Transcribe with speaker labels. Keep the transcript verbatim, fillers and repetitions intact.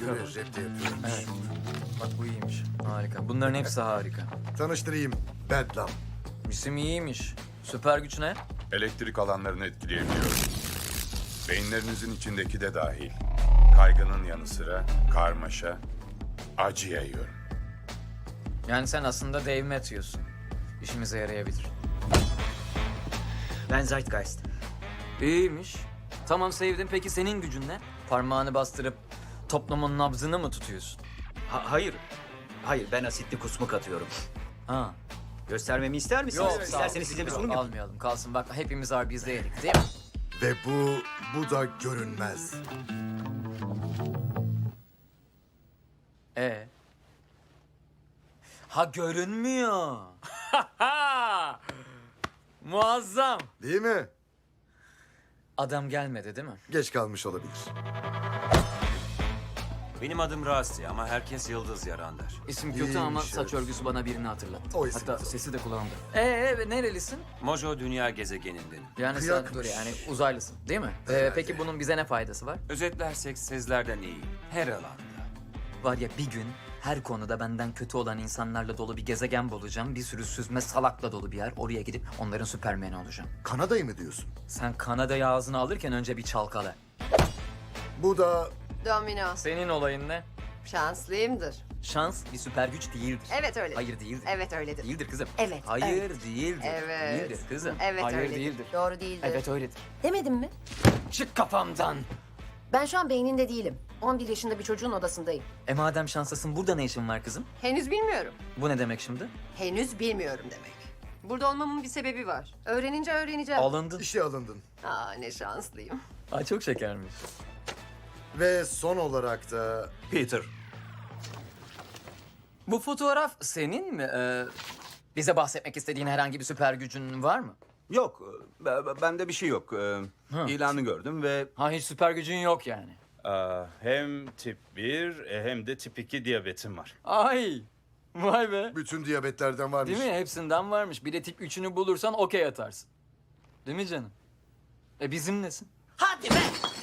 Speaker 1: göre cepte yapıyormuş.
Speaker 2: Evet. Bak bu iyiymiş. Harika. Bunların hepsi harika.
Speaker 1: Tanıştırayım. Bedlam.
Speaker 2: İsim iyiymiş. Süper güç ne?
Speaker 3: Elektrik alanlarını etkileyebiliyor. Beyinlerinizin içindeki de dahil. Kaygının yanı sıra karmaşa, acı yayıyorum.
Speaker 2: Yani sen aslında Dave Matthews'sun. İşimize yarayabilir.
Speaker 4: Ben Zeitgeist.
Speaker 2: İyiymiş. Tamam sevdim. Peki senin gücün ne? Parmağını bastırıp toplumun nabzını mı tutuyorsun?
Speaker 4: Ha- hayır. Hayır, ben asitli kusmuk atıyorum.
Speaker 2: Ha.
Speaker 4: Göstermemi ister misiniz?
Speaker 2: Yok, sağ ol.
Speaker 4: İsterseniz size bir sunum yapayım.
Speaker 2: Almayalım. Kalsın. Bak hepimiz Arbiz'de yedik değil mi?
Speaker 1: Ve bu, bu da görünmez.
Speaker 2: Ee? Ha görünmüyor. Muazzam.
Speaker 1: Değil mi?
Speaker 2: Adam gelmedi değil mi?
Speaker 1: Geç kalmış olabilir.
Speaker 5: Benim adım Rasti ama herkes Yıldız Yaran der.
Speaker 2: İsim kötü
Speaker 1: İyiymiş,
Speaker 2: ama
Speaker 1: evet.
Speaker 2: saç örgüsü bana birini hatırlattı.
Speaker 1: O isim
Speaker 2: Hatta
Speaker 1: güzel.
Speaker 2: sesi de kulağımda. Ee nerelisin?
Speaker 5: Mojo dünya gezegenindenim.
Speaker 2: Yani sen
Speaker 1: Kıyakmış.
Speaker 2: dur yani uzaylısın değil mi? Ee,
Speaker 1: Herhalde.
Speaker 2: peki bunun bize ne faydası var?
Speaker 5: Özetlersek sizlerden iyi. Her alanda.
Speaker 2: Var ya bir gün her konuda benden kötü olan insanlarla dolu bir gezegen bulacağım. Bir sürü süzme salakla dolu bir yer. Oraya gidip onların süpermeni olacağım.
Speaker 1: Kanada'yı mı diyorsun?
Speaker 2: Sen Kanada'yı ağzına alırken önce bir çalkala.
Speaker 1: Bu da
Speaker 6: Domino.
Speaker 2: Senin olayın ne?
Speaker 6: Şanslıyımdır.
Speaker 2: Şans bir süper güç değildir.
Speaker 6: Evet öyledir.
Speaker 2: Hayır değildir.
Speaker 6: Evet öyledir.
Speaker 2: Değildir kızım.
Speaker 6: Evet,
Speaker 2: Hayır
Speaker 6: evet.
Speaker 2: değildir.
Speaker 6: Evet.
Speaker 2: Değildir kızım.
Speaker 6: Evet
Speaker 2: Hayır
Speaker 6: öyledir.
Speaker 2: değildir.
Speaker 6: Doğru değildir.
Speaker 2: Evet öyledir.
Speaker 6: Demedim mi?
Speaker 2: Çık kafamdan.
Speaker 6: Ben şu an beyninde değilim. on bir yaşında bir çocuğun odasındayım.
Speaker 2: E madem şanslısın burada ne işin var kızım?
Speaker 6: Henüz bilmiyorum.
Speaker 2: Bu ne demek şimdi?
Speaker 6: Henüz bilmiyorum demek. Burada olmamın bir sebebi var. Öğrenince öğreneceğim.
Speaker 2: Alındın.
Speaker 1: işe alındın.
Speaker 6: Aa ne şanslıyım.
Speaker 2: Ay çok şekermiş.
Speaker 1: Ve son olarak da
Speaker 5: Peter.
Speaker 2: Bu fotoğraf senin mi? Ee, bize bahsetmek istediğin herhangi bir süper gücün var mı?
Speaker 7: Yok, e, b- bende bir şey yok. E, İlanı gördüm ve
Speaker 2: Ha hiç süper gücün yok yani.
Speaker 8: Aa, hem tip bir e, hem de tip iki diyabetim var.
Speaker 2: Ay vay be.
Speaker 1: bütün diyabetlerden varmış.
Speaker 2: Değil mi? Hepsinden varmış. Bir de tip üçünü bulursan okey atarsın. Değil mi canım? E bizimlesin.
Speaker 6: Hadi be!